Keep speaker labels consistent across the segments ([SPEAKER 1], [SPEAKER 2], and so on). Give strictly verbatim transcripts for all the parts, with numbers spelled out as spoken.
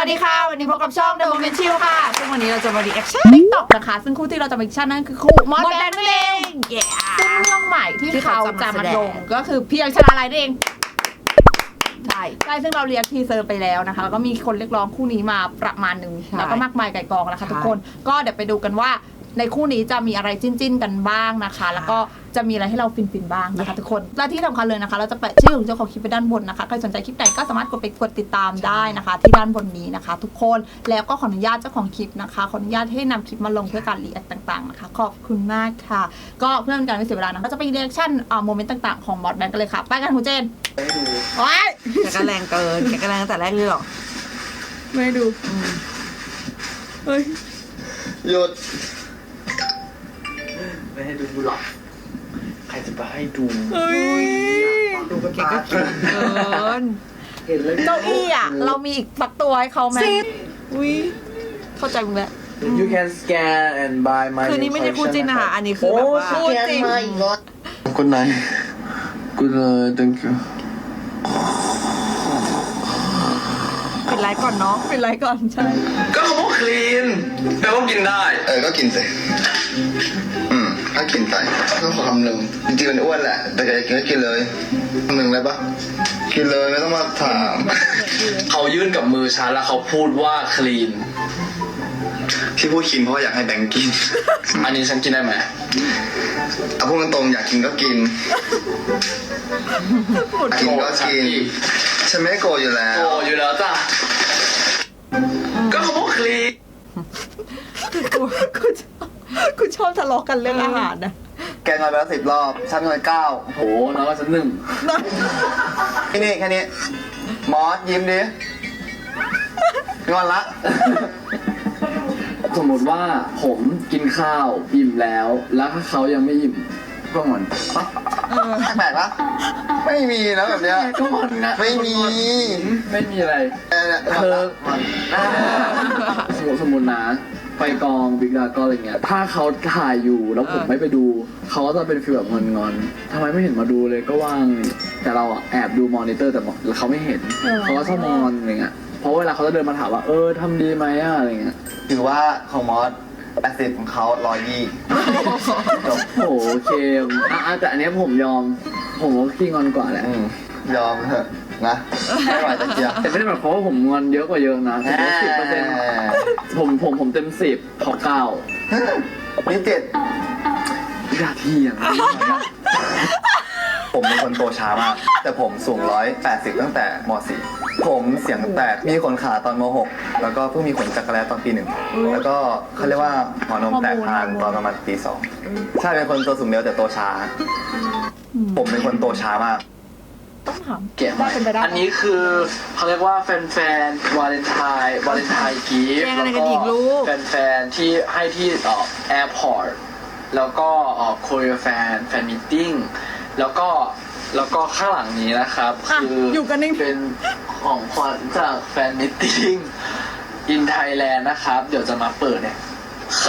[SPEAKER 1] วัสดีค่ะวันนี้พบกับช่อง The Moment Chill ค่ะซึ่งวันนี้เราจะมารีแอคชั่น TikTok นะคะซึ่งคู่ที่เราจะมารีแอคชั่นนั่นคือคู่มอสแบงค์นั่นเองซึ่งเรื่องใหม่ที่เขาจะมาลงก็คือพี่ยังชนะอะไรนั่นเองใช่ใช่ซึ่งเราเรียกทีเซอร์ไปแล้วนะคะแล้วก็มีคนเรียกร้องคู่นี้มาประมาณหนึ่งแล้วก็มากมายไก่กองนะคะทุกคนก็เดี๋ยวไปดูกันว่าในคู่นี้จะมีอะไรจิ้นๆกันบ้างนะคะแล้วก็จะมีอะไรให้เราฟินๆบ้างนะคะทุกคนและที่สำคัญเลยนะคะเราจะแปะชื่อของเจ้าของคลิปไปด้านบนนะคะใครสนใจคลิปไหนก็สามารถกดไปกดติดตามได้นะคะที่ด้านบนนี้นะคะทุกคนแล้วก็ขออนุญาตเจ้าของคลิปนะคะขออนุญาตให้นำคลิปมาลงเพื่อการรีแอคต่างๆนะคะขอบคุณมากค่ะก็เพื่อเป็นการไม่เสียเวลานะก็จะไปรีแอคชั่นโมเมนต์ต่างๆของมอสแบงค์กันเลยค่ะไปกันคุณเจนโอ๊ย
[SPEAKER 2] แกก็แรงเกินแกก็แรงตั้งแต่แรกเลยหรอ
[SPEAKER 1] ไม่ดูเฮ้ย
[SPEAKER 3] หยุด
[SPEAKER 4] ไม่ให้ดูหรอกใครจะไปให้ดู
[SPEAKER 1] เฮ้ย
[SPEAKER 4] ดูกัน
[SPEAKER 2] แกก็เกินเกิน
[SPEAKER 4] เห็นเลย
[SPEAKER 1] เก้าอี้อ่ะเรามีอีกสักตัวให้เขาไหมอุ้ยเข้าใจมึงแล้ว
[SPEAKER 4] You can scan and buy my
[SPEAKER 2] คือนี่ไม่ใช่คู่จิ้นนะคะอันนี้คือแบบว่า
[SPEAKER 1] พูดจริง
[SPEAKER 3] คนไหนกูเลย thank you
[SPEAKER 2] ปิดไลฟ์ก่อนเนาะ
[SPEAKER 1] ปิดไลฟ์ก่อนใช่
[SPEAKER 5] ก็เขาบอกคลีนแปลว่ากินได้
[SPEAKER 3] เออก็กินสิอืมถ้ากินไปก็ขอคำหนึ่งจริงๆมันอ้วนแหละแต่แกกินก็กินเลยคำหนึ่งเลยปะกินเลยไม่ต้องมาถาม
[SPEAKER 5] เขายื่นกับมือฉันแล้วเขาพูดว่าคลีน
[SPEAKER 3] ที่พูดกินเพราะว่าอยากให้แบงค์กิน
[SPEAKER 5] อันนี้ฉันกินได้ไหม
[SPEAKER 3] เอาพูดตรงๆอยากกินก็กินกินก็กินฉันไม่ได้โกรธอยู่แล้ว
[SPEAKER 5] โอ้อยู่แล้วจ้ะก็เขาบอกคลีน
[SPEAKER 1] กูกูชอบกูชอบทะเลาะกันเรื่องอาหารนะ
[SPEAKER 3] แกงอนไปแล้วสิบรอบฉันงอนเก้า
[SPEAKER 5] โหน้องว่าฉันหนึ่ง
[SPEAKER 3] แค่นี้แค่นี้มอสยิ้มดิงอนละ
[SPEAKER 4] สมมติว่าผมกินข้าวอิ่มแล้ว แล้วถ้าเขายังไม่อิ่มก็งอน
[SPEAKER 3] แปลกปะไม่มีนะแบบเนี้ย
[SPEAKER 4] ก็งอนนะ
[SPEAKER 3] ไม่มี
[SPEAKER 4] ไม่มีอะไร
[SPEAKER 3] เออ
[SPEAKER 4] เธอสมมติสมมตินะไปกองบิ๊กดาก็อะไรเงี้ยถ้าเขาถ่ายอยู่แล้วผมไม่ไปดูเขาก็จะเป็นฟีลแบบงอนๆทำไมไม่เห็นมาดูเลยก็ว่างแต่เราอะแอบดูมอนิเตอร์แต่เขาไม่เห็นเขาก็ชอบมอนอะไรเงี้ยเพราะเวลาเขาจะเดินมาถามว่าเออทำดีไหมอะอะไรเงี้ย
[SPEAKER 3] ถือว่าของมอสแปดสิบของเขาร้อยยี่จบ
[SPEAKER 4] โอ้โหเคมอ่ะแต่อันเนี้ยผมยอมผมว่าพี่งอนกว่าแหละ
[SPEAKER 3] อืมยอมเถอะนะไม่ไหวจะเจียบ
[SPEAKER 4] แต่ไม่ได้หมายความว่าผมงอนเยอะกว่าเยอะนะผมว่าสิบเปอร์เซ็นต์ผมผมผมเต็มสิบเขาเก้า
[SPEAKER 3] นี่เจ็ด
[SPEAKER 4] อย่าเที่ยง
[SPEAKER 3] ผมเป็นคนโตช้ามาก แต่ผมสูงร้อยแปดสิบตั้งแต่มสี่ผมเสียงแตกมีขนขาตอนมหกแล้วก็เพิ่งมีขนจักรแร้ตอนปีหนึ่งแล้วก็เขาเรียกว่าหัวนมแตกพานตอนประมาณปีสองใช่เป็นคนตัวสูงเร็วแต่โตช้า ผมเป็นคนโตช้ามาก
[SPEAKER 1] ต้องถาม
[SPEAKER 4] เก็บ
[SPEAKER 1] ว่าเป็นไปได้
[SPEAKER 4] อันนี้คือเขาเรียกว่าแฟนๆวาเลนไทน์วาเลนไทน์กิฟต์แล้วก็แฟนๆที่ให้ที่เอ่อแอร์พอร์ตแล้วก็เอ่อโคเรียแฟนแฟนมิทติ้งแล้วก็แล้วก็ข้างหลังนี้นะครับคืออยู่
[SPEAKER 1] กันนิ่ง
[SPEAKER 4] เป็นของขวัญจากแฟนมิทติ้งอินไทยแลนด์นะครับเดี๋ยวจะมาเปิดเนี่ย
[SPEAKER 1] โอ้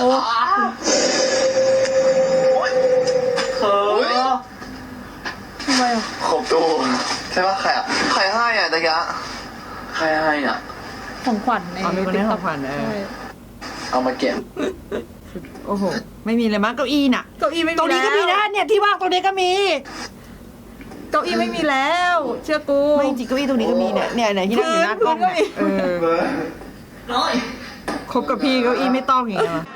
[SPEAKER 4] เออ
[SPEAKER 1] ทำไมอ่ะ
[SPEAKER 3] ขบตูใช่ปะใครอ่ะใครให้อ่ะตะกี้
[SPEAKER 4] ใครให้อ่ะ
[SPEAKER 1] ของขวัญใน
[SPEAKER 2] เอามีคนให้ของขวัญเออ
[SPEAKER 4] เอามาเก็บ
[SPEAKER 2] โอ้โหไม่มีเลยมั้งเก้าอี้น่ะ
[SPEAKER 1] เก้าอี้ไม่มี
[SPEAKER 2] ตรงนี้ก็มีนะเนี่ยที่ว่างตรงนี้ก็มี
[SPEAKER 1] เก้าอี้ไม่มีแล้ว เชื่อกู
[SPEAKER 2] ไม่จริงเก้าอี้ตรงนี้ก็มีเนี่ยเนี่ยไหนที่นั่งอยู่หน้ากล้องเนี่ยเออคบกับพี่เก้าอี้ไม่ต้องอย่างเงี้ย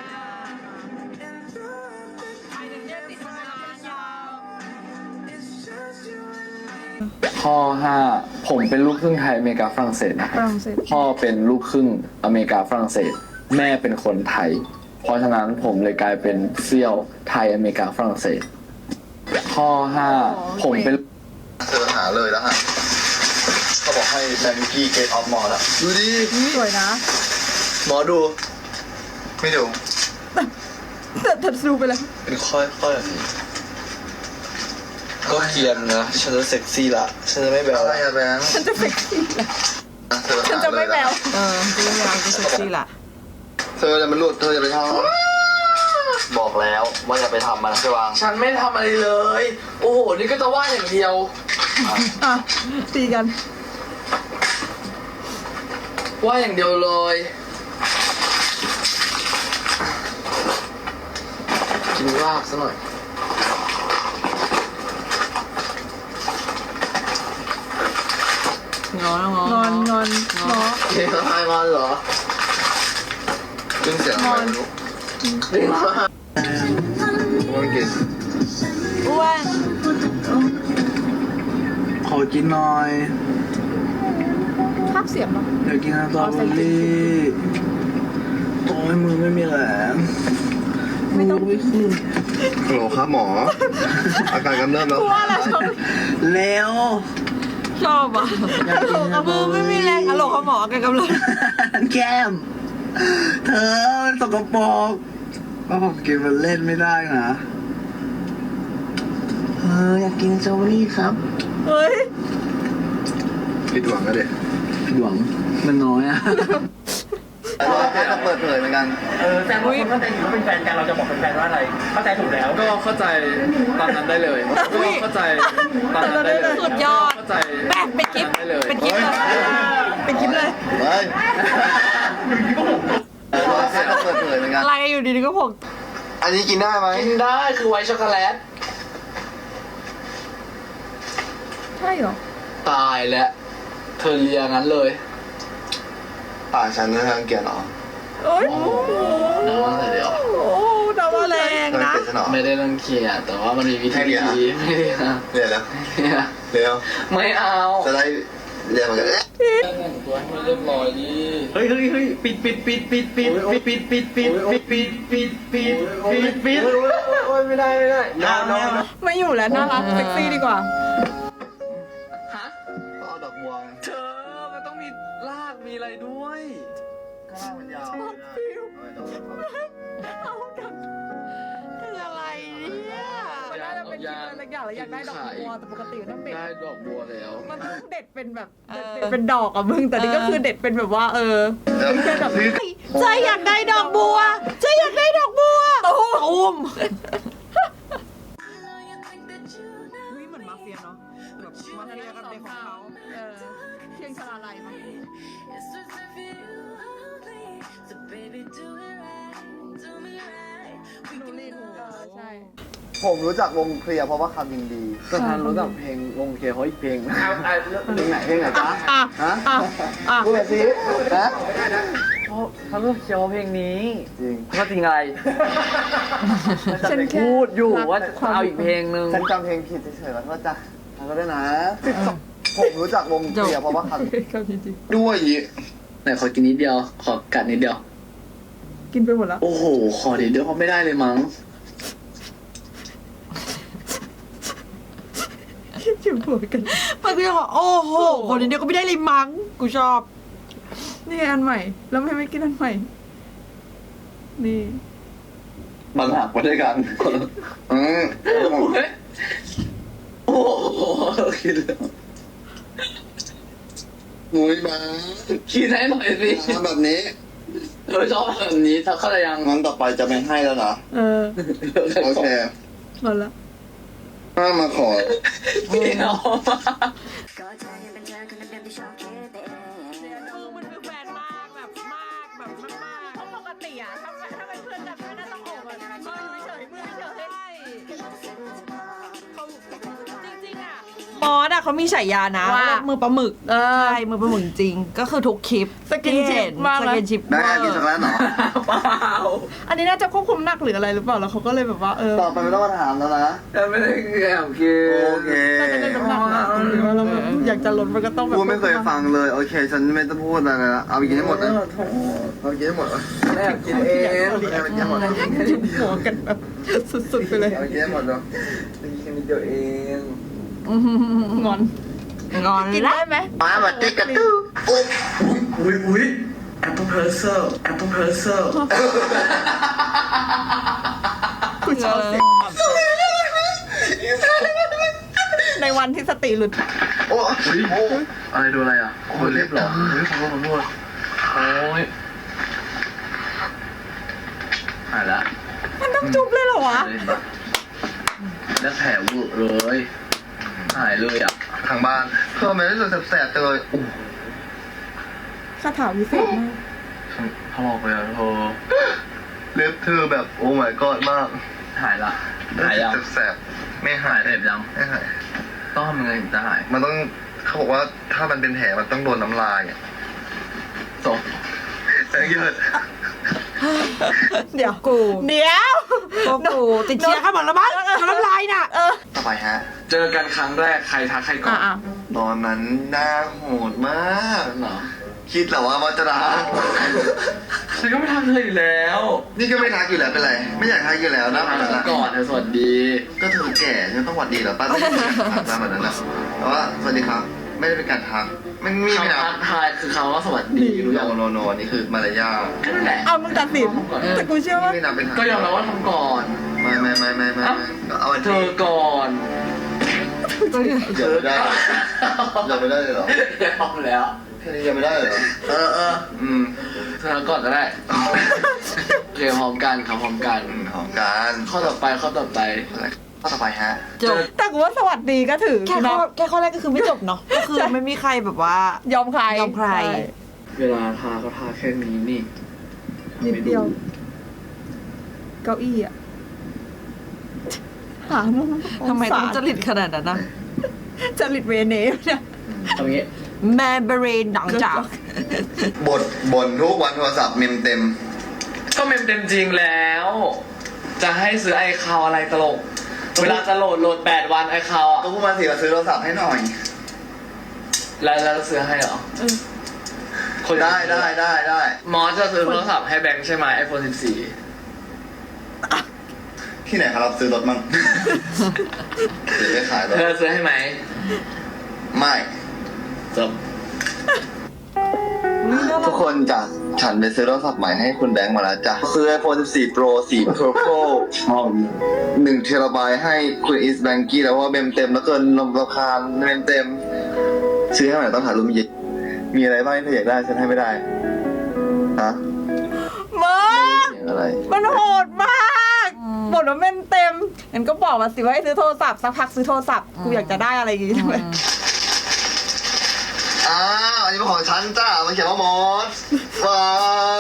[SPEAKER 4] ข้อห้าผมเป็นลูกครึ่งไทยอเมริกาฝรั่งเศสนะค
[SPEAKER 1] ฝ
[SPEAKER 4] รับ
[SPEAKER 1] รั่งเศส
[SPEAKER 4] พ่อเป็นลูกครึ่งอเมริกาฝรั่งเศส แม่เป็นคนไทย เพราะฉะนั้นผมเลยกลายเป็นเซี่ยวไทยอเมริกาฝรั่งเศส ข้อห้าผมเป็น
[SPEAKER 3] เธอหาเลยแล้วฮะเขาบอกให้แบงกี้เกตออฟมอร์อะดูดิ
[SPEAKER 1] สวยนะ
[SPEAKER 3] หมอดู ไม่ดู
[SPEAKER 1] แต่ถัดซูไปแล้ว
[SPEAKER 6] เป็นค่อยๆแบบนี้ก็เกรียนนะ ฉันจะเซ็กซี่ละ ฉันจะไม่แบว
[SPEAKER 3] อะไร
[SPEAKER 6] ละ
[SPEAKER 3] อะแบงค์
[SPEAKER 1] ฉันจะเซ็กซี่ละ
[SPEAKER 3] เธอ
[SPEAKER 1] ฉันจะไม่แวว
[SPEAKER 2] เออจริงๆเราจะเซ็กซี่ละ
[SPEAKER 3] เธอจะมันหลุดเธอจะไปทำบอกแล้วว่าอย่าไปทำมันใช่วาง
[SPEAKER 4] ฉันไม่ทำอะไรเลย โอ้โห นี่ก็จะว่าอย่างเดียว
[SPEAKER 1] อ่ะตีกัน
[SPEAKER 4] ว่าอย่างเดียวเลยกินลาบซะหน่อย
[SPEAKER 2] งอนงอนงอนงอน
[SPEAKER 4] เฮ้ยทายมันเหรอ
[SPEAKER 3] ซึ่งเสียงอะไรไม่รู้
[SPEAKER 4] เรียกว่า
[SPEAKER 3] ว่ากิน
[SPEAKER 2] อ้วน
[SPEAKER 6] ขอกินหน่อย
[SPEAKER 1] ภาพเสียงเหรอ
[SPEAKER 6] อยากกินสตรอเบอรี่โอ้ยมือไม่มีแหลมไม่ต้องไม่ขึ้น
[SPEAKER 3] ฮัลโหลครับหมอ อาการกำเริบแล้ว
[SPEAKER 1] ว่าอะไรชอบ
[SPEAKER 6] เร็ว
[SPEAKER 2] ชอบอ่ะกระโหลกกระมือไม่มีแรงกระโหลกเขาหมอแกกำลัง
[SPEAKER 6] แก้ม เธอมันสกปรกก็ผมกินมันเล่นไม่ได้นะเอออยากกินสตรอเบอรี่ครับ
[SPEAKER 2] เฮ้ย
[SPEAKER 3] ผิดหวังก็เด็ด
[SPEAKER 6] ผิดหวังมันน้อยอะ
[SPEAKER 3] เราแค่ต้องเปิดเผยเหมือนกัน
[SPEAKER 7] เออแต่ว่าคนเข้าใจผิดว่าเป็นแฟนกันเราจะบอกเป็นแฟนว่าอะไร เข้าใจถูกแล้ว
[SPEAKER 4] ก็เข้าใจตอนนั้นได้เลยก็เข้าใจตอนนั้นได้เลย
[SPEAKER 2] สุดยอด
[SPEAKER 4] เข้าใจ
[SPEAKER 2] แปะเป็นคลิป
[SPEAKER 4] ได้เลย
[SPEAKER 2] เป็นคลิปเลยเป็นคลิปเลย
[SPEAKER 3] เฮ้ยเราแค่ต้องเปิดเผยเหมือนกัน
[SPEAKER 2] อะไรอยู่ดีๆก็ผม
[SPEAKER 3] อันนี้กินได้ไหม
[SPEAKER 4] กินได้คือไวท์ช็อกโกแลต
[SPEAKER 1] ใช่เหรอ
[SPEAKER 4] ตายแล้วเธอเลียงั้นเลย
[SPEAKER 3] ป่าฉันไม่รังเกียจหรอ
[SPEAKER 2] โอ้ย
[SPEAKER 4] น้ำอะไรเดี๋ยว
[SPEAKER 2] โอ้ดาวแรง
[SPEAKER 3] รัง
[SPEAKER 2] นะ
[SPEAKER 3] เกียจฉันหรอ
[SPEAKER 4] ไม่ได้รังเกียจแต่ว่ามันมีวิธี
[SPEAKER 3] ให้เลีย
[SPEAKER 4] ไม่ได้นะ
[SPEAKER 3] เรียนแล้ว
[SPEAKER 4] เนี่ย
[SPEAKER 3] เร็ว
[SPEAKER 4] ไม่เอา
[SPEAKER 3] จะได้เรียนเหมือนกัน
[SPEAKER 4] แต่งตัวให้มันเรียบร้อยดิ
[SPEAKER 7] เฮ้ยเฮ้ยเฮ้ยปิดปิดปิดปิดปิดปิดปิดปิดปิดปิดปิดปิดปิดปิดปิด
[SPEAKER 4] โอ้ยไม่ได้ไม่ได้
[SPEAKER 7] น้ำน้ำ
[SPEAKER 2] ไม่อยู่แล้วน่ารักเซ็กซี่ดีกว่า
[SPEAKER 4] ฮะ
[SPEAKER 3] ก็เอาดอกบัว
[SPEAKER 4] เธอมันต้องมีรากมีอะไรด้วย
[SPEAKER 3] ข้างล่างมันยาว
[SPEAKER 2] คืออะไรเนี่ยน่าจะเป็นคลิปอะไรสักอย่างแล้วอยากได้ดอกบัวแต่ปกติมันต้องเด็ด
[SPEAKER 4] ได้ดอกบัวแล้ว
[SPEAKER 2] มันต้องเด็ดเป็นแบบเด็ดเป็นดอกอะมึงแต่นี่ก็คือเด็ดเป็นแบบว่าเออแค่แบบใจอยากได้ดอกบัวใจอยากได้ดอกบัวตูมนี่เหมือนมาเฟียเนาะแบบมาเฟียกันเป็นของเขา
[SPEAKER 1] เออเพียงชลาลัยมั้ง
[SPEAKER 2] นูริน
[SPEAKER 1] เออใช่
[SPEAKER 3] ผมรู้จักวงเคลียร์เพราะว่าคำยิงดี
[SPEAKER 4] ก็ทันรู้จักเพลงวงเคเขาอีกเพลง
[SPEAKER 7] เอาเอา
[SPEAKER 3] เพลงไหนเพลงไหนจ๊ะ
[SPEAKER 2] อ่ะ
[SPEAKER 3] ฮะ
[SPEAKER 2] อ่ะอ่ะ
[SPEAKER 3] พูดแบบนี้นะ
[SPEAKER 7] เพราะเขาเลือกเชียวเพลงนี้
[SPEAKER 3] จริง
[SPEAKER 7] ก็จริงอะไร
[SPEAKER 2] ฉันแค่
[SPEAKER 7] พูดอยู่ว่าเอาอีกเพลงนึง
[SPEAKER 3] ฉันจำเพลงผิดเฉยๆแล้วก็จ้ะแล้วก็ได้นะผมรู้จักวงเคลียร์เพราะว่าคำ
[SPEAKER 2] คำจริง
[SPEAKER 3] ด้วยอี
[SPEAKER 4] ไหนขอกินนิดเดียว ขอกัดนิดเดียว
[SPEAKER 2] ๆกินไปหมดแล้ว
[SPEAKER 4] โอ้โห ขอนิดเดียวเขาไม่ได้เลยมั้ง
[SPEAKER 2] อยู่หัวกันมันก็ยังบอกโอ้โหคนนี้เดียวก็ไม่ได้เลยมั้งกูชอบ นี่อันใหม่ แล้วไม่ไม่กินอันใหม่ นี่
[SPEAKER 3] มันหักมาด้วยกันอืม
[SPEAKER 4] โอ้โหกินแล้ว
[SPEAKER 3] มุ้ยมา
[SPEAKER 4] กินให้หน่อยสิ
[SPEAKER 3] ทำแบบนี้
[SPEAKER 4] เธอชอบแบบนี้เธอเข้าใจยัง
[SPEAKER 3] งั้นต่อไปจะไม่ให้แล้วนะ
[SPEAKER 2] เออ
[SPEAKER 3] โอเค
[SPEAKER 2] หมดละ
[SPEAKER 3] ถ้ามาขอ
[SPEAKER 4] พี่น้อง
[SPEAKER 2] มันคือแฟนมากแบบมากแบบมาก
[SPEAKER 1] เพราะปกติอะถ้าถ้าเป็นเพื่อนกันไม่น่าต้องโอบกันมืออยู่เฉยมือเฉย
[SPEAKER 2] เขาจริงๆอ่ะมอสอะเขามีฉายานะ
[SPEAKER 1] ว่า
[SPEAKER 2] ว่ามือปลาหมึก
[SPEAKER 1] เออ
[SPEAKER 2] ใช่มือปลาหมึกจริงก็คือทุกคลิป
[SPEAKER 1] สกินชิป
[SPEAKER 2] ที่เห็
[SPEAKER 1] มาก
[SPEAKER 2] ส
[SPEAKER 1] นะ
[SPEAKER 2] กินชิป
[SPEAKER 3] ได้กินสักแล้วเหรอ
[SPEAKER 4] เปล่า
[SPEAKER 2] อันนี้น่าจะควบคุมหนักหรืออะไรหรือเปล่าแล้วเขาก็เลยแบบว่าเออ
[SPEAKER 3] ต่อไปไม่ต้องมาถามแล้วนะ
[SPEAKER 4] แต่ไม่ได้แอบกิน
[SPEAKER 3] โอเค
[SPEAKER 2] น่าจะได้น้ำหนักนะหรือว่าเราแบบอยากจะลดมันก็ต้องแบบ
[SPEAKER 3] พูดไม่เคยฟังเลย โอเค ฉันไม่ต้องพูดอะไรละเอาไปกินให้หมดนะเอาไปกินให้หมดนะ
[SPEAKER 4] แอบกินเอง
[SPEAKER 3] เอาไปกินให้หมดนะ
[SPEAKER 2] จุ่มหัวกันแบบสุดๆไปเลย
[SPEAKER 3] เอาไปกินให้หมดเนาะ
[SPEAKER 4] กินนิดเดียวเอง
[SPEAKER 2] งอนงอน
[SPEAKER 1] กิน
[SPEAKER 2] ละ
[SPEAKER 1] ได้ไหม
[SPEAKER 3] มาแบบติ๊กกระตู้
[SPEAKER 6] อุ้ยอุ้ยแอปเปิลเพอร์เซลแอปเปิลเพอร์เซล
[SPEAKER 2] คุณชอบเสียงในวันที่สติหลุด
[SPEAKER 3] โอ้โอ้
[SPEAKER 4] อะไรดูอะไรอ่ะโอ้ยเล็บเหรอเฮ้ยขอโทษขอโทษโอ้ยหายละ
[SPEAKER 2] มันต้องจุ๊บเลยเหรอวะ
[SPEAKER 4] แล้วแผลเวอะเลยหายเลยอ่ะ
[SPEAKER 3] ทางบ้านทำไมรู้สึกแสบๆจังเลย
[SPEAKER 2] คาถาวิเศษมาก
[SPEAKER 3] ถลอกเลยอะเธอเล็บเธอแบบโอ้ my god มาก
[SPEAKER 4] หายละหายยัง
[SPEAKER 3] แสบๆไม่หาย
[SPEAKER 4] เจ็บยัง
[SPEAKER 3] ไม่หาย
[SPEAKER 4] ต้องทำยังไงถึงจะหาย
[SPEAKER 3] มันต้องเขาบอกว่าถ้ามันเป็นแผลมันต้องโดนน้ำลายอ่ะ
[SPEAKER 4] จบ
[SPEAKER 3] แต่เยอะ
[SPEAKER 2] เดี๋ยวกู
[SPEAKER 1] เดี๋ยว
[SPEAKER 2] โอ้กูติดเชื้อข้างหมดแล้วมั้งน้ำลายน่ะ
[SPEAKER 3] ต่อไปฮะ
[SPEAKER 4] เจอกันครั้งแรกใครทักใครก่อน
[SPEAKER 1] อ่ะ
[SPEAKER 3] ตอนนั้นหน้าโหดมาก
[SPEAKER 4] เหรอ
[SPEAKER 3] คิดเหรอว่ามันจะรัก
[SPEAKER 4] ฉันก็ไม่ทำเธออยู่แล้ว
[SPEAKER 3] นี่ก็ไม่ทักอยู่แล้วเป็นไร ไม่อยากทักอยู่แล้วนะ
[SPEAKER 4] ทำฉันก่อนเธอสวัสดี
[SPEAKER 3] ก็เธอแก่ฉันต้องหวัดดีเหรอป้าไม่ได้ทักตามแบบนั้นนะแต่ว่าสวัสดีครับ ไม่ได้เป็นการทักมันมีไม่
[SPEAKER 4] คำ
[SPEAKER 3] นะ
[SPEAKER 4] ทักทายคือคำว่าสวัสดีรู้
[SPEAKER 3] โน
[SPEAKER 4] ยัง
[SPEAKER 3] โนโนนี่คือมารยาท
[SPEAKER 4] นั่นแหละ
[SPEAKER 2] เอามึงตัดสินแต่กูเชื่อว่า
[SPEAKER 3] ไม่นับเป็นทัก
[SPEAKER 4] ก็ยอมรับว่าทำก่อน
[SPEAKER 3] ไม่ไม่ไม่ไม่ไม่เอาอัน
[SPEAKER 4] เธอก่อน
[SPEAKER 3] อย่าไม่ได้อย่าไม่ได้เลยเหรอย
[SPEAKER 4] อมแล้ว
[SPEAKER 3] แค่นี้ยังไม่ได้เลยเหรอ
[SPEAKER 4] เออเออ
[SPEAKER 3] อืม
[SPEAKER 4] เธอก่อนก็ได้โอเคพร้อมกันครับพร้อมกัน
[SPEAKER 3] หอมกัน
[SPEAKER 4] ข้อต่อไปข้อต่อไป
[SPEAKER 3] ข้อต่อไปฮะ
[SPEAKER 2] จบ
[SPEAKER 1] แต่กูว่าสวัสดีก็ถือ
[SPEAKER 2] แค่ข้อ
[SPEAKER 1] นะ
[SPEAKER 2] แค่ข้อแรกก็คือไม่จบเนาะก็คือไม่มีใครแบบว่า
[SPEAKER 1] ยอมใคร
[SPEAKER 2] ยอมใคร
[SPEAKER 1] ช่
[SPEAKER 4] เวลาทาเขาทาแค่นี้นี่
[SPEAKER 2] นิดเดียว เก้าอี้อะหามุม
[SPEAKER 8] ทำไมต้อง
[SPEAKER 2] ส
[SPEAKER 8] จริตขนาดนั้นนะ
[SPEAKER 2] จริตเวเนสเนี่ย
[SPEAKER 4] ทำอย่างงี้
[SPEAKER 2] แมเบรนหนังจาก
[SPEAKER 3] บทบ่นทุกวันโทรศัพท์เมมเต็ม
[SPEAKER 4] ก็เมมเต็มจริงแล้ว จะให้ซื้อไอคาวอะไรตลก เวลาจะโหลดโหลดแปดวันไอคาวอ่ะ
[SPEAKER 3] ก็พูดมาสิว่าซื้อโทรศัพท์ให้หน่อย
[SPEAKER 4] แล้วแล้วซื้อให้เหรอคน
[SPEAKER 3] ได้ได้ได้ได้
[SPEAKER 4] มอสจะซื้อโทรศัพท์ให้แบงค์ใช่ไหมไอโฟนสิบสี่
[SPEAKER 3] ที่ไหนครับรับซื้อรถมั่ง ซื้อไม่ขายรถ
[SPEAKER 4] เธอซื้อให้ไหม
[SPEAKER 3] ไม่
[SPEAKER 4] จบ
[SPEAKER 3] ทุกคนจ้ะฉันไปซื้อโทรศัพท์ใหม่ให้คุณแบงค์มาแล้วจ้ะซื้อ ไอโฟนสิบสี่ Pro สี Purple หนึ่งเทราไบต์ให้คุณอิสแบงกี้แล้วว่าเมมเต็มแล้วเกินลมราคาเมมเต็ม ซื้อให้ใหม่ต้องถ่ายรูปมีมีอะไรบ้างที่เธออยากได้ฉันให้ไม่ได้ฮะ
[SPEAKER 1] มึง
[SPEAKER 3] เสียงอะไร
[SPEAKER 1] มันโหดมากบทว่าเมนเต็มงั้นก็บอกมาสิว่าให้ซื้อโทรศัพท์สักพักซื้อโทรศัพท์กูอยากจะได้อะไรอย่างงี้ใช่ไหม
[SPEAKER 3] อ้าวอันนี้เป็นของฉันจ้ามันเขียนว่ามอสว้าย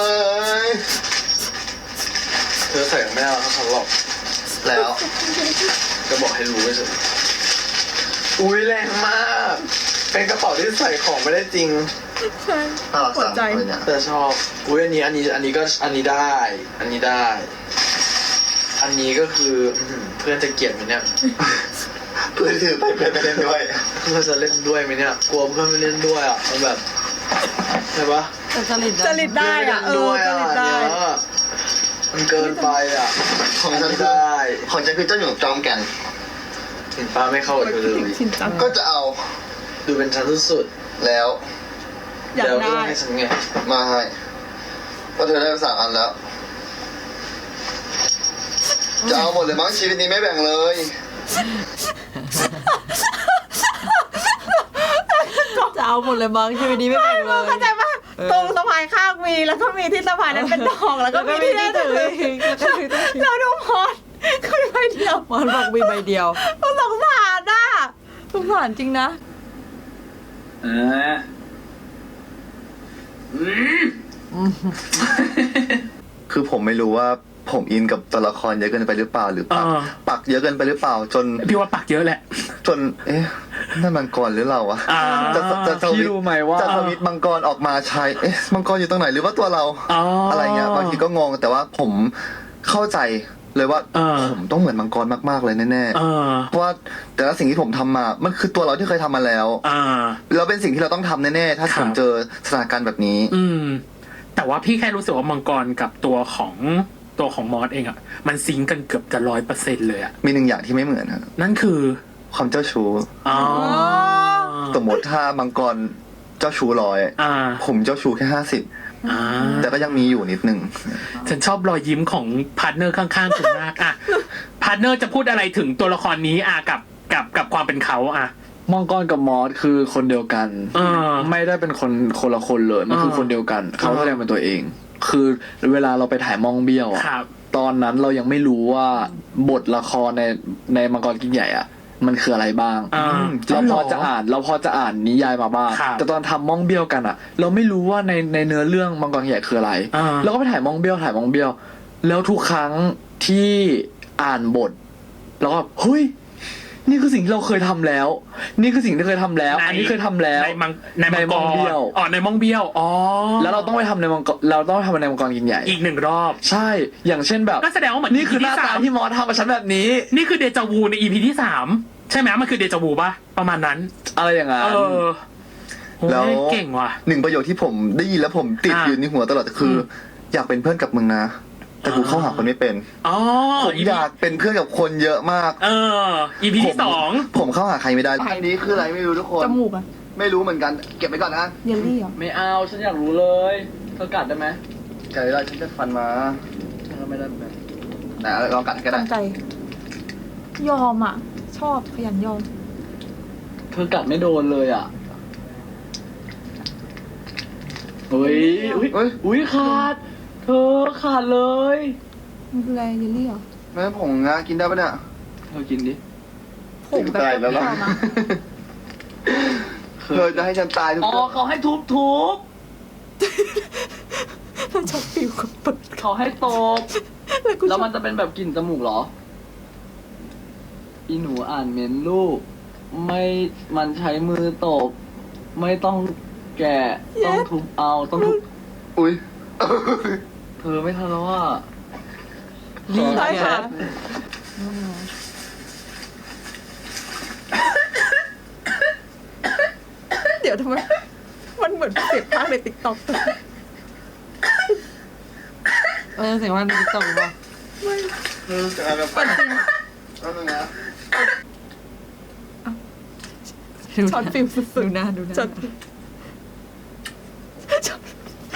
[SPEAKER 4] เธอใส่ไม่ได้แล้วเขาหลอก
[SPEAKER 3] แล้ว
[SPEAKER 4] จะบอกให้รู้ไม่ใช่อุ้ยแรงมาก เป็นกระเป๋าที่ใส่ของไม่ได้จริง
[SPEAKER 2] ใช่
[SPEAKER 3] น่ารัก
[SPEAKER 2] หัว
[SPEAKER 3] จัง
[SPEAKER 2] ใจ
[SPEAKER 3] เลยเนี่ย
[SPEAKER 4] แต่ชอบ อุ้ยอันนี้อันนี้อันนี้ก็อันนี้ได้ อันนี้ได้ อันนี้ก็คืออื้อหือเพื่อนจะเกลียดไหมเนี่ย
[SPEAKER 3] เพื่อนถือไปเพื่อนไปเล่นด้วย
[SPEAKER 4] เพื่อนจะเล่นด้วยไหมเนี่ย กลัวเพื่อนไม่เล่นด้วยอ่ะมันแบบใช่ปะ
[SPEAKER 8] แต่จริต
[SPEAKER 2] จริตได้อะเออ
[SPEAKER 4] ด้วย
[SPEAKER 2] จ
[SPEAKER 4] อ่ะ
[SPEAKER 2] ริตได้
[SPEAKER 4] เนี่ยมันเกินไปอ่ะ
[SPEAKER 3] ของฉัน
[SPEAKER 4] ไม่
[SPEAKER 3] คือ
[SPEAKER 4] ได้
[SPEAKER 3] ของฉันคือเจ้าหนูจอมแก่น
[SPEAKER 4] เห็นป้าไม่เข้ากับเธอเลย
[SPEAKER 2] ชินจัง
[SPEAKER 3] ก็จะเอา
[SPEAKER 4] ดูเป็นชั้นสุด
[SPEAKER 3] แล้ว
[SPEAKER 4] ๆ
[SPEAKER 2] อยาก
[SPEAKER 4] เดี๋ยว
[SPEAKER 2] ได้
[SPEAKER 4] เรื่องให้ฉันไง
[SPEAKER 3] มาให้ก็เธอได้ไปสามอันแล้ว จะเอาหมดเลยมั้งชีวิตนี้ไม่แบ่งเลย
[SPEAKER 8] จะเอาหมดเลยมั้งชีวิตนี้ไม่แบ่งเลย
[SPEAKER 1] เข้าใจปะตรงสะพายข้างมีแล้วก็มีที่สะพายนั้นเป็นดอกแล้วก็มีที่ได้ถือ
[SPEAKER 8] แล้วก็ถือ
[SPEAKER 1] แล้วดูพอดก็มีใบเดียว
[SPEAKER 8] มันบอกมีใบเดียว
[SPEAKER 1] สงสารอ่ะสงสารจริงนะ
[SPEAKER 4] เอออืม
[SPEAKER 3] คือผมไม่รู้ว่าผมอินกับตัวละครเยอะเกินไปหรือเปล่าหรือปัก
[SPEAKER 9] เออ
[SPEAKER 3] ปักเยอะเกินไปหรือเปล่า จน
[SPEAKER 9] พี่ว่าปักเยอะแหละ
[SPEAKER 3] จน เอ๊ะนั่นมังกรหรือเราวะ
[SPEAKER 9] อ่า
[SPEAKER 3] จะจะจะ
[SPEAKER 4] พี่รู้ไหมว่า
[SPEAKER 3] จะสวิตช์มังกรออกมาใช้เอ๊ะมังกรอยู่ตรงไหนหรือว่าตัวเรา
[SPEAKER 9] อ๋ออ
[SPEAKER 3] อะไรเงี้ยบางทีก็งงแต่ว่าผมเข้าใจเลยว่า
[SPEAKER 9] เออ
[SPEAKER 3] ผมต้องเหมือนมังกรมากๆเลยแน่
[SPEAKER 9] เออ
[SPEAKER 3] ๆเพราะว่าแต่ละสิ่งที่ผมทำมา มันคือตัวเราที่เคยทำมาแล้ว
[SPEAKER 9] อ่า
[SPEAKER 3] แล้วเป็นสิ่งที่เราต้องทำแน่ๆถ้า
[SPEAKER 9] ครับ
[SPEAKER 3] ผมเจอสถานการณ์แบบนี้
[SPEAKER 9] อืม แต่ว่าพี่แค่รู้สึกว่ามังกรกับตัวของตัวของมอสเองอะมันซิงก์กันเกือบจะร้อยเปอร์เซ็นต์เลยอะ
[SPEAKER 3] มีหนึ่งอย่างที่ไม่เหมือนครับ
[SPEAKER 9] นั่นคือ
[SPEAKER 3] ความเจ้าชู้
[SPEAKER 9] อ๋อ
[SPEAKER 3] สมมติถ้ามังกรเจ้าชู้ร้อย
[SPEAKER 9] อ่า
[SPEAKER 3] ผมเจ้าชู้แค่ห้าสิบ
[SPEAKER 9] อ่า
[SPEAKER 3] แต่ก็ยังมีอยู่นิดนึง
[SPEAKER 9] ฉันชอบรอยยิ้มของพาร์ทเนอร์ข้างๆคุณมากอะพาร์ทเนอร์จะพูดอะไรถึงตัวละครนี้อะกับกับกับความเป็นเขาอะ
[SPEAKER 4] มังกรกับมอสคือคนเดียวกัน
[SPEAKER 9] เออ
[SPEAKER 4] ไม่ได้เป็นคนคนละคนเลยมันคือ
[SPEAKER 9] เออ
[SPEAKER 4] คนเดียวกัน เขาแสดงเป็นตัวเอง คือเวลาเราไปถ่ายมองเบี้ยวอะ
[SPEAKER 9] ครับ
[SPEAKER 4] ตอนนั้นเรายังไม่รู้ว่าบทละครในในมังกรกินใหญ่อะมันคืออะไรบ้าง
[SPEAKER 9] อ่า
[SPEAKER 4] เราพอจะอ่านเราพอจะอ่านนิยายมาบ้าง
[SPEAKER 9] ครับ
[SPEAKER 4] แต่ตอนทำมองเบี้ยวกันอะเราไม่รู้ว่าในในเนื้อเรื่องมังกรใหญ่คืออะไร
[SPEAKER 9] อ่า
[SPEAKER 4] เราก็ไปถ่ายมองเบี้ยวถ่ายมองเบี้ยว แล้วทุกครั้งที่อ่านบทเราก็เฮ้ยนี่คือสิ่งที่เราเคยทำแล้ว นี่คือสิ่งที่เคยทำแล้ว อันนี้เคยทำแล้ว
[SPEAKER 9] ในมังในมัง
[SPEAKER 4] ใน
[SPEAKER 9] ก
[SPEAKER 4] มังเบี้
[SPEAKER 9] ร
[SPEAKER 4] ยว
[SPEAKER 9] อ๋อในมังเบี้ยวอ๋อ
[SPEAKER 4] แล้วเราต้องไปทำในมังกรเราต้องไปทำในมังกรกินใหญ่
[SPEAKER 9] อีกหนึ่งรอบ
[SPEAKER 4] ใช่ อย่างเช่นแบบ
[SPEAKER 9] ก็แสดงว่าเหมือน
[SPEAKER 4] นี่คือหน้า
[SPEAKER 9] ที่
[SPEAKER 4] ตา
[SPEAKER 9] สาม
[SPEAKER 4] ที่มอสทำกับฉันแบบนี้
[SPEAKER 9] นี่คือเดจาวูใน อี พี ที่สามใช่ไหมมันคือเดจาวูป่ะประมาณนั้น
[SPEAKER 4] อะไรอย่างนั้น
[SPEAKER 9] เออโอ้ย
[SPEAKER 3] แล้ว
[SPEAKER 9] เก่งว่ะ
[SPEAKER 3] หนึ่งประโยคที่ผมได้ยินแล้วผมติด
[SPEAKER 9] อ่า
[SPEAKER 3] อยู่ในหัวตลอดคือออยากเป็นเพื่อนกับมึงนะ แต่กูเข้าหาคนไม่เป็น
[SPEAKER 9] อ๋อ
[SPEAKER 3] ผม
[SPEAKER 9] อี
[SPEAKER 3] อยากเป็นเพื่อนกับคนเยอะมาก
[SPEAKER 9] เออ อี พี
[SPEAKER 3] ผม
[SPEAKER 9] ที่สอง
[SPEAKER 3] ผมเข้าหาใครไม่ได้อันนี้คืออะไรไม่รู้ทุกคน
[SPEAKER 1] จมูกอะ
[SPEAKER 3] ไม่รู้เหมือนกัน เก็บไว้ก่อนนะ
[SPEAKER 1] เยลลี่เหรอ
[SPEAKER 4] ไม่เอาฉันอยากรู้เลยเธอกัดได้ไหม
[SPEAKER 3] เกิดอะไรฉันจะฟันมา
[SPEAKER 4] ฉันก็ไม่ได้แบบ
[SPEAKER 3] ไหนลองกัดก็ได้
[SPEAKER 1] ตั้งใจ ยอมอ่ะ ชอบขยันยอม
[SPEAKER 4] เธอกัดไม่โดนเลยอ่ะเฮ้ยอุ้ย
[SPEAKER 3] เฮ้ย
[SPEAKER 4] อุ้ยขาด เธอขาดเลย
[SPEAKER 1] มันคืออะไรเยลลี่เหรอ
[SPEAKER 3] แม่ผงนะกินได้ปะเนี่ย
[SPEAKER 4] เธอกินดิ
[SPEAKER 1] ผงแบบ
[SPEAKER 3] ตายแล้ว
[SPEAKER 1] เป
[SPEAKER 3] ล่ะ
[SPEAKER 1] รี้ยวๆนะ
[SPEAKER 3] เธอจะให้ฉันตายทุก
[SPEAKER 4] อ๋อ
[SPEAKER 3] คน
[SPEAKER 4] เขาให้ทุบทุบ
[SPEAKER 1] มันชอบปิวกับปึก
[SPEAKER 4] เขาให้ตบ
[SPEAKER 1] แล้วกูช
[SPEAKER 4] แล้ว
[SPEAKER 1] อบ
[SPEAKER 4] มันจะเป็นแบบกลิ่นจมูกเหรอ อีหนูอ่านเมนลูก ไม่มันใช้มือตบ ไม่ต้องแกะ ต้องทุบเอา ต้องทุบ
[SPEAKER 3] อุ้ย
[SPEAKER 4] เธอไม่ทันแล้วว่า
[SPEAKER 8] นี่
[SPEAKER 1] ใช่
[SPEAKER 8] ไง
[SPEAKER 1] ค่ะ เดี๋ยวทำไม มันเหมือนเสียงภาคในติ๊กต็อก
[SPEAKER 8] เออเสียงว่าในติ๊กต็อกหรือเปล่า
[SPEAKER 3] เออจะอะไรแบบปันจริงแล้วนึงนะ
[SPEAKER 8] ดูห
[SPEAKER 1] ช็อต
[SPEAKER 8] น้า
[SPEAKER 1] ฟิลสุ
[SPEAKER 8] ดู
[SPEAKER 1] ด
[SPEAKER 8] หน้าดูหน้า
[SPEAKER 1] ๆช็อตช็อต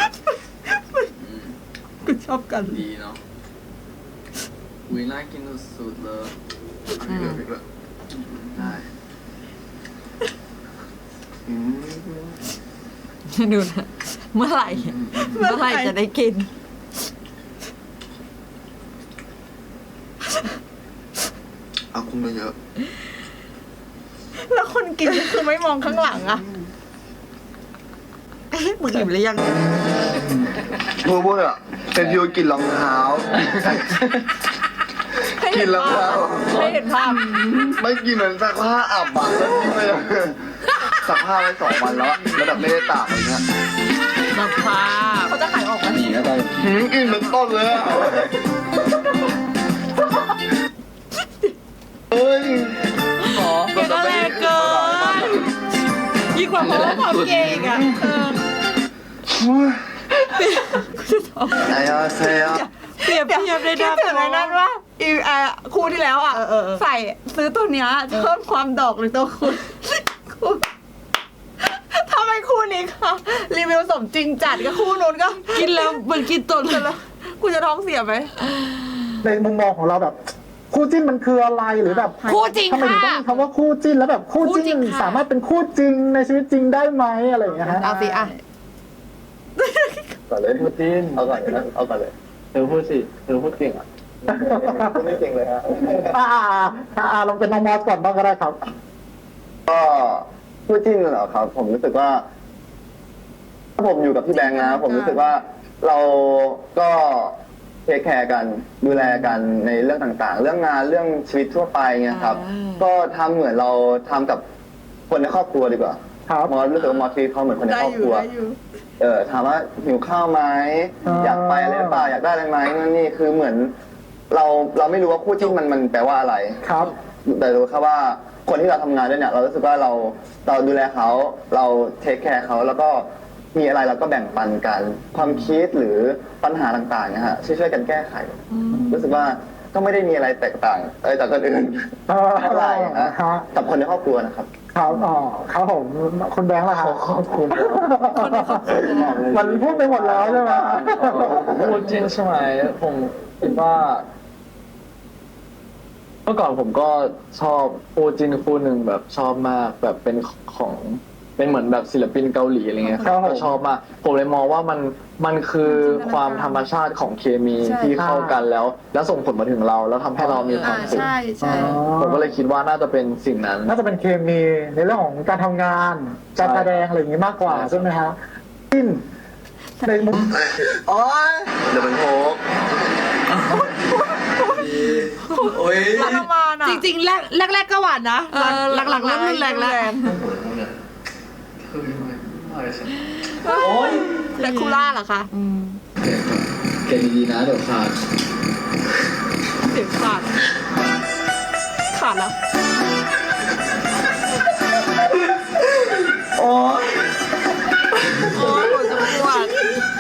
[SPEAKER 1] กูชอบกัน
[SPEAKER 4] ดีเนาะอุ้ยน่ากินสุดๆเลย
[SPEAKER 3] อันนี้เหลืออีกแล้วได้ อืม
[SPEAKER 8] ดูนะเมื่อไหร่ เมื่อไหร่จะได้กิน
[SPEAKER 3] เอาคุมไปเยอะ
[SPEAKER 1] แล้วคนกินคือไม่มองข้างหลังอะ
[SPEAKER 8] เอ๊ะมึงอิ่มหรือยัง
[SPEAKER 3] พูดพูดอะเป็นฟิวกลินรองเท้า
[SPEAKER 1] ให้
[SPEAKER 3] กิ
[SPEAKER 1] เห็
[SPEAKER 3] น
[SPEAKER 1] น
[SPEAKER 3] รอง
[SPEAKER 1] ภา
[SPEAKER 3] เท้า
[SPEAKER 1] พให้เห็นภาพ
[SPEAKER 3] ไม่กินเหมือนซักผ้าอับอะแล้วทิ้งเลยอะซักผ้าไว้สองวันแล้วอะแล้วแบบไม่ได้ตากอะไรเงี้ย
[SPEAKER 8] สภาพ
[SPEAKER 1] เขาจะขายออกไหม
[SPEAKER 4] หนีก็ได้
[SPEAKER 3] หืมกินเหมือนต้นเลยอะเฮ้ย
[SPEAKER 4] ขอ
[SPEAKER 8] เกก็แรงเกินยิ่งกว่าเพราะว่าความเก่งอ่ะเออ
[SPEAKER 3] ไอ้ยาเซีย
[SPEAKER 8] เปรียบเทียบได้
[SPEAKER 1] คิด
[SPEAKER 8] นะ
[SPEAKER 1] ถึงไอ้นั่นว่าอีเอ่อคู่ที่แล้วอ่ะ
[SPEAKER 8] เออเออเออ
[SPEAKER 1] ใส่ซื้อตัวเนี้ยเพิ่มความดอกหรือตัวคุณคู่ทำไมคู่นี้ค่ะรีวิวสมจริงจัดกับคู่นู้นก็
[SPEAKER 8] กินแล้วเหมือนกินต้นเลย
[SPEAKER 1] แล้วกูจะท้องเสียไหม
[SPEAKER 10] ในมุมมองของเราแบบ คู่จิ้นมันคืออะไรหรือแบบ
[SPEAKER 8] คู่จริง
[SPEAKER 10] ทำไมถึงต้อง
[SPEAKER 8] ค่ะ
[SPEAKER 10] มีคำว่าคู่จิ้นแล้วแบบคู่
[SPEAKER 8] คู่จริ
[SPEAKER 10] จิ้
[SPEAKER 8] ง
[SPEAKER 10] น
[SPEAKER 8] ค่ะ
[SPEAKER 10] สามารถเป็นคู่จริงในชีวิตจริงได้ไหมอะไรอย่างเงี้ยฮะ
[SPEAKER 8] เอาสิอ่ะ
[SPEAKER 3] ก่อนเลยพูดจีนเอาก่อนเลยนะเอาก่อนเลย
[SPEAKER 4] เธอพูดสิเธอพูดเก่งอ่ะ
[SPEAKER 3] พูดไม่เก่งเลยฮะ
[SPEAKER 10] อ่าอ่าอ่าลองเป็นน้องมอสก่อนบ้างก็ได้ครับ
[SPEAKER 3] ก็พูดจริงเหรอครับ ผมรู้สึกว่า ถ้าผมอยู่กับพี่แบงค์นะ ผมรู้สึกว่าเราก็เทคแคร์กันดูแลกันในเรื่องต่างๆ เรื่องงานเรื่องชีวิตทั่วไปเงี้ยครับ
[SPEAKER 8] อ่า
[SPEAKER 3] ก็ทำเหมือนเราทำกับคนในครอบครัวดีกว่า
[SPEAKER 10] ครับ
[SPEAKER 3] มอสรู้สึกว่ามอสทีเขาเหมือนคนใน
[SPEAKER 1] ได้
[SPEAKER 3] ครอบ
[SPEAKER 1] อ
[SPEAKER 3] ค
[SPEAKER 1] ยู่
[SPEAKER 3] รัว
[SPEAKER 1] ได้อยู่
[SPEAKER 3] เออถามว่าหิวข้าวไหม
[SPEAKER 10] อ่า
[SPEAKER 3] อยากไปอะไรหรือเปล่าอยากได้อะไรไหมนั่นนี่คือเหมือน เราเราไม่รู้ว่าคู่จิ้นมันมันแปลว่าอะไร
[SPEAKER 10] ครับ
[SPEAKER 3] แต่รู้แค่ว่าคนที่เราทำงานด้วยเนี่ย เรารู้สึกว่าเราเราดูแลเขาเราเทคแคร์เขาแล้วก็มีอะไรเราก็แบ่งปันกัน ความคิดหรือปัญหาต่างๆนะฮะช่วยช่วยๆกันแก้ไข รู้สึกว่าก็ไม่ได้มีอะไรแตกต่างเออจากคนอื่น
[SPEAKER 10] เอ่อ
[SPEAKER 3] เท่าไหร่นะ
[SPEAKER 10] ฮะ
[SPEAKER 3] กับคนในครอบครัวนะครับ
[SPEAKER 10] ครับอ๋อครับผมคุณแบงค์ล่ะครับ
[SPEAKER 3] ขอบคุณ
[SPEAKER 10] มันพูดไปหมดแล้วใช่ไหม
[SPEAKER 4] พูดจริงใช่ไหมผมคิดว่า เมื่อก่อนผมก็ชอบคู่จิ้นคู่หนึ่งแบบชอบมากแบบเป็นของเป็นเหมือนแบบศิลปินเกาหลีอะไรเงี้ยก็ชอบมากผมเลยมองว่ามันมันคือความธรรมชาติของเคมีที่เข้ากันแล้ว แล้วส่งผลมาถึงเราแล้วทำให้เรามีความสุข
[SPEAKER 1] ใช่ใช่
[SPEAKER 4] ผมก็เลยคิดว่าน่าจะเป็นสิ่งนั้น
[SPEAKER 10] น่าจะเป็นเคมีในเรื่องของการทำงานการแสดงอะไรอย่างนี้มากกว่าใช่ไหมฮะจิ้นในมุม
[SPEAKER 6] โอ้ย
[SPEAKER 3] เดี๋ยวเป็นโฮก
[SPEAKER 6] โอ้ย
[SPEAKER 2] รักมานอ่ะ
[SPEAKER 8] จริงๆแรกแรกๆก็หวานนะ
[SPEAKER 2] เออ
[SPEAKER 8] หลังๆเริ่มรุนแรงแล้ว
[SPEAKER 6] โอ้ย
[SPEAKER 2] แดคูล่าเหรอคะ
[SPEAKER 4] แกดีๆนะเดี๋ยวขาด
[SPEAKER 2] เสียงขาดขาดแล้ว
[SPEAKER 6] โอ้ย
[SPEAKER 2] โอ้ยปวดจะปวด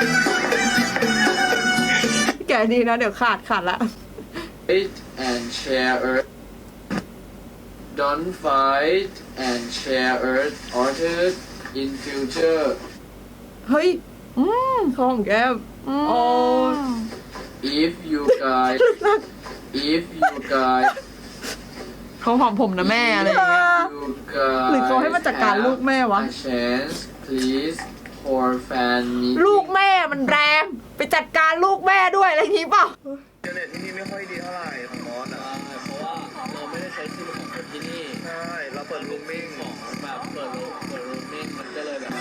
[SPEAKER 2] แกดีนะเดี๋ยวขาดขาดละ
[SPEAKER 4] Fight and share earth don't fight and share earth ordered in future
[SPEAKER 2] เฮ้ย อืมของแก้มโอ้ย
[SPEAKER 4] if you guys if you guys
[SPEAKER 2] เขาหอมผมนะแม่อะไรอย่างเงี้ย
[SPEAKER 4] you guys
[SPEAKER 2] หรือเขาให้มาจัดการลูกแม่วะ
[SPEAKER 4] have a chance please for fan meeting
[SPEAKER 2] ลูกแม่มันแรง ไปจัดการลูกแม่ด้วยอะไรอย่างงี้เปล่า
[SPEAKER 3] เจเน็ตที่นี่ไม่ค่อยดีเท่าไหร่ของมอสอ่ะ
[SPEAKER 4] เพราะว่าเราไม่ได้ใช้ชื่อของคนที่นี่
[SPEAKER 3] ใช่ เราเปิดรูมมิ่ง
[SPEAKER 4] ของแบบเปิดโลเปิดโลมิ่งมันก็เลยแบบ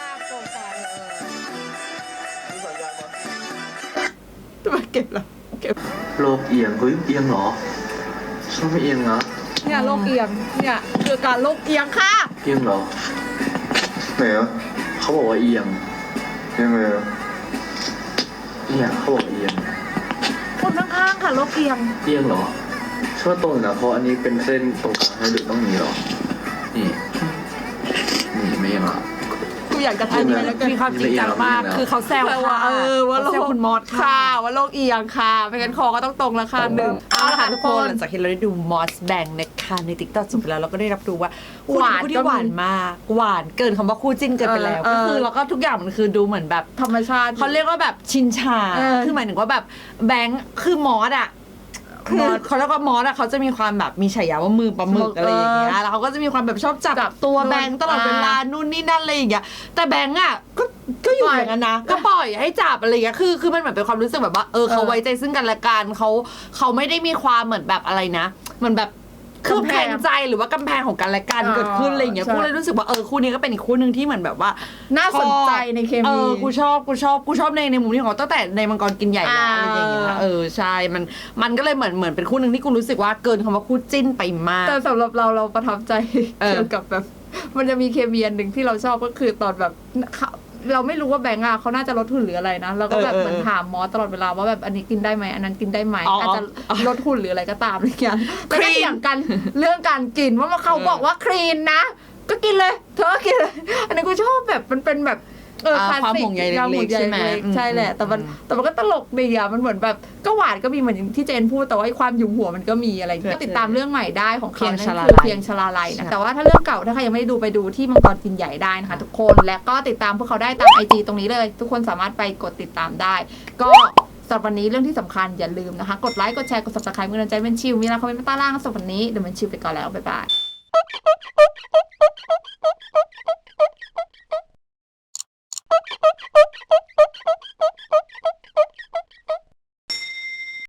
[SPEAKER 2] ตัวเก็บแล้วเก็บ
[SPEAKER 3] โลกเอียง เฮ้ย เอียงเหรอ ชอบไม่เอียงนะ
[SPEAKER 2] เนี่ยโรคเอียง เนี่ยคือการโรคเอียงค่ะ
[SPEAKER 3] เอียงเหรอไหนอ่ะ
[SPEAKER 4] เขาบอกว่าเอียง
[SPEAKER 3] เอียงเลยอะ
[SPEAKER 4] เนี่ยเขาบอกว่าเอียง
[SPEAKER 2] คนข้างๆค่ะโรคเอียง
[SPEAKER 4] เอียงเหรอช่วยตรงนะเพราะอันนี้เป็นเส้นตรงกลางให้ดูต้องมีเหรอ นี่ นี่ไม่เอียงเหรอ
[SPEAKER 2] กูอยากจะทำนี้แล้วกัน
[SPEAKER 8] มีความจริงจังมาก คือเขาแซว
[SPEAKER 2] แปลว่า
[SPEAKER 8] ค่ะ
[SPEAKER 2] เออว่าโร
[SPEAKER 8] เขาแซว
[SPEAKER 2] ค
[SPEAKER 8] คุณมอส
[SPEAKER 2] ค่ะ
[SPEAKER 8] ค่ะ
[SPEAKER 2] ว่าโรคเอียงค่ะไม่งั้นคอก็ต้องตรงแล้วค่ะหนึ่ง
[SPEAKER 8] เอาละค่ะทุกคน
[SPEAKER 2] น
[SPEAKER 8] หลังจากที่เราได้ดูมอสแบงนะคะในติ๊กต็อกจบไปแล้วเราก็ได้รับรู้ว่า
[SPEAKER 2] หวาน
[SPEAKER 8] คู่
[SPEAKER 2] ก็
[SPEAKER 8] ที่
[SPEAKER 2] มี
[SPEAKER 8] หวานมาก หวานเกินคำว่าคู่จิ้นเกินไปแล้ว
[SPEAKER 2] เออ
[SPEAKER 8] ก็คือ
[SPEAKER 2] เออ
[SPEAKER 8] แล้วก็ทุกอย่างมันคือดูเหมือนแบบ
[SPEAKER 2] ธรรมชาติ
[SPEAKER 8] เขาเรียกว่าแบบชินชา
[SPEAKER 2] เออ
[SPEAKER 8] คือหมายถึงว่าแบบแบงค์คือมอสอะคือ
[SPEAKER 2] มอส
[SPEAKER 8] เขาเรียกว่ามอสอะเขาจะมีความแบบมีฉายาว่ามือปลาหมึกอะไรอย่างเงี้ยแล้วเขาก็จะมีความแบบชอบจับ
[SPEAKER 2] จับ
[SPEAKER 8] ตัว
[SPEAKER 2] นู่น
[SPEAKER 8] แบงค์ตลอดเวลา
[SPEAKER 2] อ่า
[SPEAKER 8] นู่นนี่นั่นอะไรอย่างเงี้ยแต่แบงค์อะก็ก็อยู่
[SPEAKER 2] ปล่อย
[SPEAKER 8] อย่างนั้นนะก็ปล่อยให้จับอะไรอย่างเงี้ยคือคือมันเหมือนเป็นความรู้สึกแบบว่าเออเขา
[SPEAKER 2] เออ
[SPEAKER 8] ไว้ใจซึ่งกันและกันเขาเขาไม่ได้มีความเหมือนแบบอะไรนะเหมือนแบบคืบ
[SPEAKER 2] กำแพ
[SPEAKER 8] แข็
[SPEAKER 2] ง
[SPEAKER 8] งใจหรือว่ากำแพงของกันและกัน
[SPEAKER 2] อ๋อ
[SPEAKER 8] เกิดขึ้นอะไรอย่างเงี้ย
[SPEAKER 2] ใช่
[SPEAKER 8] กูเลยรู้สึกว่าเออคู่นี้ก็เป็นอีกคู่หนึ่งที่เหมือนแบบว่า
[SPEAKER 2] น่าสนใจในเค
[SPEAKER 8] เอ
[SPEAKER 2] มี
[SPEAKER 8] อ กูชอบ กูชอบ กูชอบในในมุมที่ของเขาตั้งแต่ในมังกรกินใหญ่แล้ว
[SPEAKER 2] อ่า
[SPEAKER 8] อะไรอย่างเงี้ย เออ ใช่ มัน มันก็เลยเหมือน เหมือนเป็นคู่หนึ่งที่กูรู้สึกว่าเกินคำว่าคู่จิ้นไปมาก
[SPEAKER 2] แต่สำหรับเราเราประทับใจ
[SPEAKER 8] เออ
[SPEAKER 2] เกี่ยวกับแบบ มันจะมีเคมีอันหนึ่งที่เราชอบก็คือตอนแบบเขาเราไม่รู้ว่าแบงค์อะเขาน่าจะลดหุ่นหรืออะไรนะเราก็แบบ
[SPEAKER 8] เออเออ
[SPEAKER 2] เหมือนถามมอสตลอดเวลาว่าแบบอันนี้กินได้ไหมอันนั้นกินได้ไหม
[SPEAKER 8] อ๋อ
[SPEAKER 2] อาจจะลดหุ่นหรืออะไรก็ตามอะไรอย่างเงี้ย
[SPEAKER 8] คลีน
[SPEAKER 2] แล้วก็เถียงกันเรื่องการกินว่าเขาบอกว่าคลีนนะ ก็กินเลยเธอก็กินเลย อันนี้กูชอบแบบมันเป็นแบบเออ
[SPEAKER 8] อ่า
[SPEAKER 2] คลาส
[SPEAKER 8] ความ
[SPEAKER 2] สิก
[SPEAKER 8] ห่วงใยเล็กๆ
[SPEAKER 2] ความห่วง
[SPEAKER 8] ใช่ไหม
[SPEAKER 2] เล็กๆ
[SPEAKER 8] อืม
[SPEAKER 2] ใช่แหละแต่มัน
[SPEAKER 8] อืม
[SPEAKER 2] แต่มันก็ตลกดีอะมันเหมือนแบบก็หวานก็มีเหมือนอย่างที่เจนพูดแต่ว่าไอ้ความหยุมหัวมันก็มีอะไรอย่างเงี้ยก็ติดตามเรื่องใหม่ได้ของเขา
[SPEAKER 8] เพียง
[SPEAKER 2] นั่น
[SPEAKER 8] ชลา
[SPEAKER 2] คือ
[SPEAKER 8] ลัย
[SPEAKER 2] เพียงชลาลัยนะแต่ว่าถ้าเรื่องเก่าถ้าใครยังไม่ได้ดูไปดูที่มังกรกินใหญ่ได้นะคะทุกคนและก็ติดตามพวกเขาได้ตามไอจีตรงนี้เลย ทุกคนสามารถไปกดติดตามได้ ก็สำหรับวันนี้เรื่องที่สำคัญอย่าลืมนะคะกดไลค์กดแชร์กด ซับสไครบ์ เมื่อนั้นใจเป็นชิวมีอะไรคอมเมนต์มาใต้ล่างสำหรับวันนี้เดี๋ยวมันชิวไปก่อนแล้วบ๊ายบาย